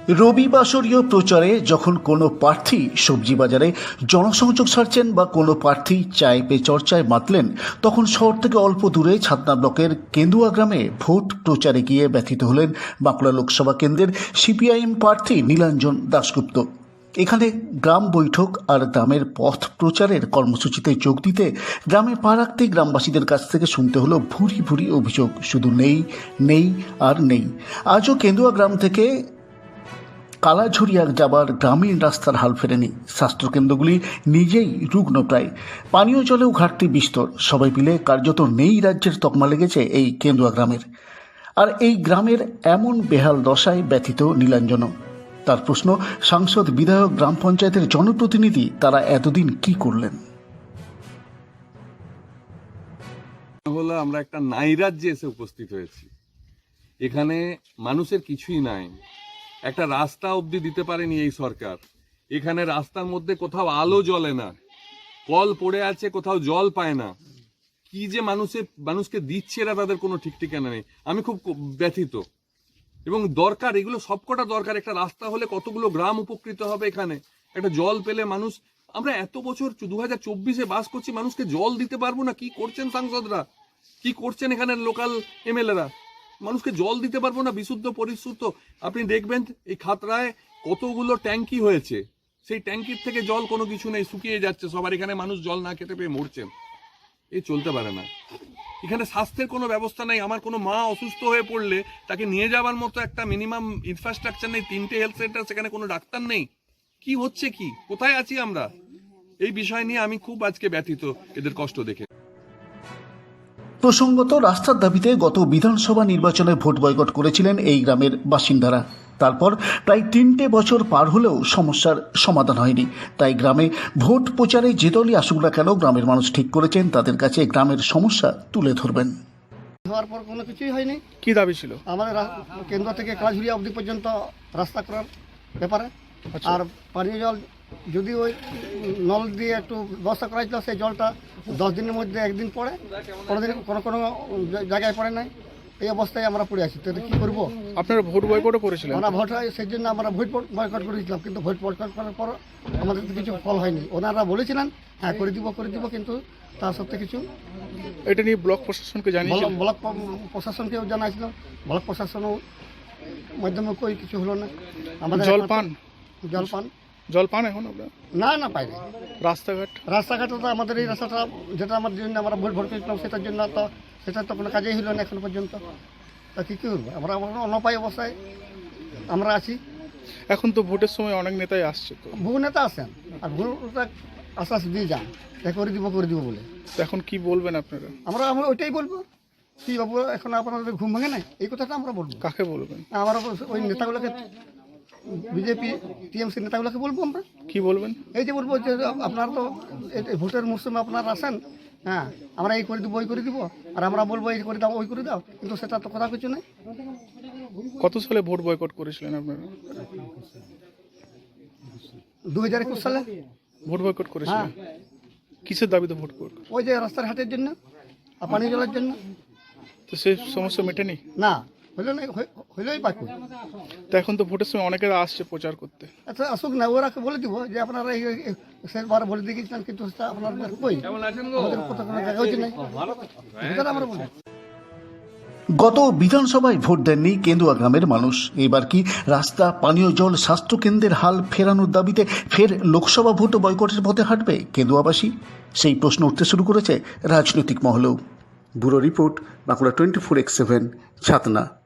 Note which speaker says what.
Speaker 1: রবিবাসরীয় প্রচারে যখন কোনো প্রার্থী সবজি বাজারে জনসংযোগ সারছেন বা কোনো প্রার্থী চায় পে চর্চায় মাতলেন, তখন শহর থেকে অল্প দূরে ছাতনা ব্লকের কেন্দুয়া গ্রামে ভোট প্রচারে গিয়ে ব্যথিত হলেন বাঁকুড়া লোকসভা কেন্দ্রের সিপিআইএম প্রার্থী নীলাঞ্জন দাশগুপ্ত। এখানে গ্রাম বৈঠক আর গ্রামের পথ প্রচারের কর্মসূচিতে যোগ দিতে গ্রামে পা রাখতেই গ্রামবাসীদের কাছ থেকে শুনতে হলো ভুরি ভুরি অভিযোগ, শুধু নেই নেই আর নেই। আজও কেন্দুয়া গ্রাম থেকে কালাঝুরিয়া যাবার গ্রামীণ রাস্তার হাল ফেরেনি। স্বাস্থ্যকেন্দ্রগুলি নিজেই রুগ্ন প্রায়, পানীয় জলেও ঘাটতি বিস্তর। সবাই মিলে কার্যত নেই রাজ্যের তকমা লেগেছে এই কেন্দুয়া গ্রামের। আর এই গ্রামের এমন বেহাল দশায় ব্যথিত নীলাঞ্জন। তার প্রশ্ন, সাংসদ, বিধায়ক, গ্রাম পঞ্চায়েতের জনপ্রতিনিধি তারা এতদিন কি করলেন?
Speaker 2: হলো আমরা একটা নাইরাজ্যে এসে উপস্থিত হয়েছি। এখানে মানুষের কিছুই নাই, একটা রাস্তা অবধি দিতে পারেনি এই সরকার। এখানে রাস্তার মধ্যে কোথাও আলো জ্বলে না, কল পড়ে আছে, কোথাও জল পায় না। কি যে মানুষকে দিচ্ছে এরা, তাদের কোনো ঠিক ঠিকানা নেই। আমি খুব ব্যথিত এবং দরকার, এগুলো সবকটা দরকার। একটা রাস্তা হলে কতগুলো গ্রাম উপকৃত হবে। এখানে একটা জল পেলে মানুষ, আমরা এত বছর 2024-এ বাস করছি, মানুষকে জল দিতে পারবো না। কি করছেন সাংসদরা, কি করছেন এখানের লোকাল এমএলএরা? মানুষকে জল দিতে পারবো না বিশুদ্ধ পরিশুদ্ধ। আপনি দেখবেন এই খাতড়ায় কতগুলো ট্যাঙ্কি হয়েছে, সেই ট্যাঙ্কির থেকে জল কোনো কিছু নেই, শুকিয়ে যাচ্ছে সবার। এখানে মানুষ জল না খেতে পেয়ে মরছেন। এই চলতে পারে না। এখানে স্বাস্থ্যের কোনো ব্যবস্থা নেই। আমার কোনো মা অসুস্থ হয়ে পড়লে তাকে নিয়ে যাওয়ার মতো একটা মিনিমাম ইনফ্রাস্ট্রাকচার নেই। 3টে হেলথ সেন্টার, সেখানে কোনো ডাক্তার নেই। কি হচ্ছে, কি কোথায় আছি আমরা? এই বিষয় নিয়ে আমি খুব আজকে ব্যথিত, এদের কষ্ট দেখে।
Speaker 1: প্রসঙ্গত, রাস্তার দাবিতে গত বিধানসভা নির্বাচনে ভোট বয়কট করেছিলেন এই গ্রামের বাসিন্দারা। তারপর প্রায় 3টে বছর পার হলেও সমস্যার সমাধান হয়নি। তাই গ্রামে ভোট প্রচারে যে দলই আসুক না কেন, গ্রামের মানুষ ঠিক করেছেন তাদের কাছে গ্রামের সমস্যা তুলে ধরবেন।
Speaker 3: হওয়ার পর কোনো কিছুই হয়নি।
Speaker 4: কি দাবি ছিল?
Speaker 3: আমাদের কেন্দ্র থেকে কালাঝুরিয়া অবধি পর্যন্ত রাস্তা করার ব্যাপারে, আর পানীয় জল যদি ওই নল দিয়ে একটু ব্যবস্থা করা হয়েছিল, সেই জলটা 10 দিনের মধ্যে একদিন পড়ে, কোনোদিন কোনো কোনো জায়গায় পড়ে নাই। এই অবস্থায় আমরা পড়ে আছি। তো কী করবো?
Speaker 4: আপনারা ভোট বয়কটও করেছিলেন?
Speaker 3: আমরা ভোট হয়, সেই জন্য আমরা ভোট বয়কট করেছিলাম, কিন্তু ভোট বয়কট করার পর আমাদের তো কিছু ফল হয়নি। ওনারা বলেছিলেন হ্যাঁ করে দিব, কিন্তু তার সত্ত্বে কিছু।
Speaker 4: এটা নিয়ে ব্লক প্রশাসনকে জানিয়েছিলেন?
Speaker 3: ব্লক প্রশাসনকেও জানাইছিলাম, ব্লক প্রশাসনও মাধ্যমে কই কিছু হলো না। আমাদের
Speaker 4: জল পান এখন আপনারা?
Speaker 3: না পাইনি। রাস্তাঘাট তো আমাদের এই রাস্তাটা, যেটা আমার জন্য আমরা ভোট করেছিলাম, সেটার জন্য তো সেটা তো কোনো কাজেই হলো না এখন পর্যন্ত। তা কী করবো? আমরা অনপায় অবস্থায় আমরা আছি।
Speaker 4: এখন তো ভোটের সময় অনেক নেতাই আসছে, তো
Speaker 3: বহু নেতা আসেন আর ভোটটা আশ্বাস দিয়ে যান করে দিব বলে।
Speaker 4: তো এখন কি বলবেন আপনারা?
Speaker 3: আমরা ওইটাই বলবো। কি বাবু, এখন আপনাদের ঘুম ভাঙে নাই, এই কথাটা আমরা বলবো।
Speaker 4: কাকে বলবেন?
Speaker 3: আমরা ওই নেতাগুলোকে, বিজেপি টিএমসি নেতাগুলোকে বলবো। আমরা
Speaker 4: কি বলবেন?
Speaker 3: এই যে বলবো যে আপনারা তো ভোটের মরশুমে আপনারা আসেন, হ্যাঁ আমরা এই করে দিব, ওই করে দিব, আর আমরা বলবো এই করে দাও, ওই করে দাও, কিন্তু সেটা তো কথা কিছু নেই।
Speaker 4: কত সালে ভোট বয়কট করেছিলেন আপনারা?
Speaker 3: 2021 সালে
Speaker 4: ভোট বয়কট করেছিলেন? কিসের দাবিতে ভোট বয়কট?
Speaker 3: ওই যে রাস্তার ঘাটের জন্য আর পানীয় জলের জন্য।
Speaker 4: তো সেই সমস্যা মেটেনি?
Speaker 3: না, হইলেই বাকি।
Speaker 4: তো এখন তো ভোটের সময় অনেকেরা আসছে প্রচার করতে।
Speaker 3: আচ্ছা আসুক না, ওরা বলে দিব যে আপনারা শেষবার বলে দিয়ে গেছিলেন, কিন্তু আপনার কই আমরা বলি।
Speaker 1: গত বিধানসভায় ভোট দেননি কেন্দুয়া গ্রামের মানুষ। এবার কি রাস্তা, পানীয় জল, স্বাস্থ্যকেন্দ্রের হাল ফেরানোর দাবিতে ফের লোকসভা ভোট বয়কটের পথে হাঁটবে কেন্দুয়াবাসী? সেই প্রশ্ন উঠতে শুরু করেছে রাজনৈতিক মহলেও। ব্যুরো রিপোর্ট, বাঁকুড়া 24x7, ছাতনা।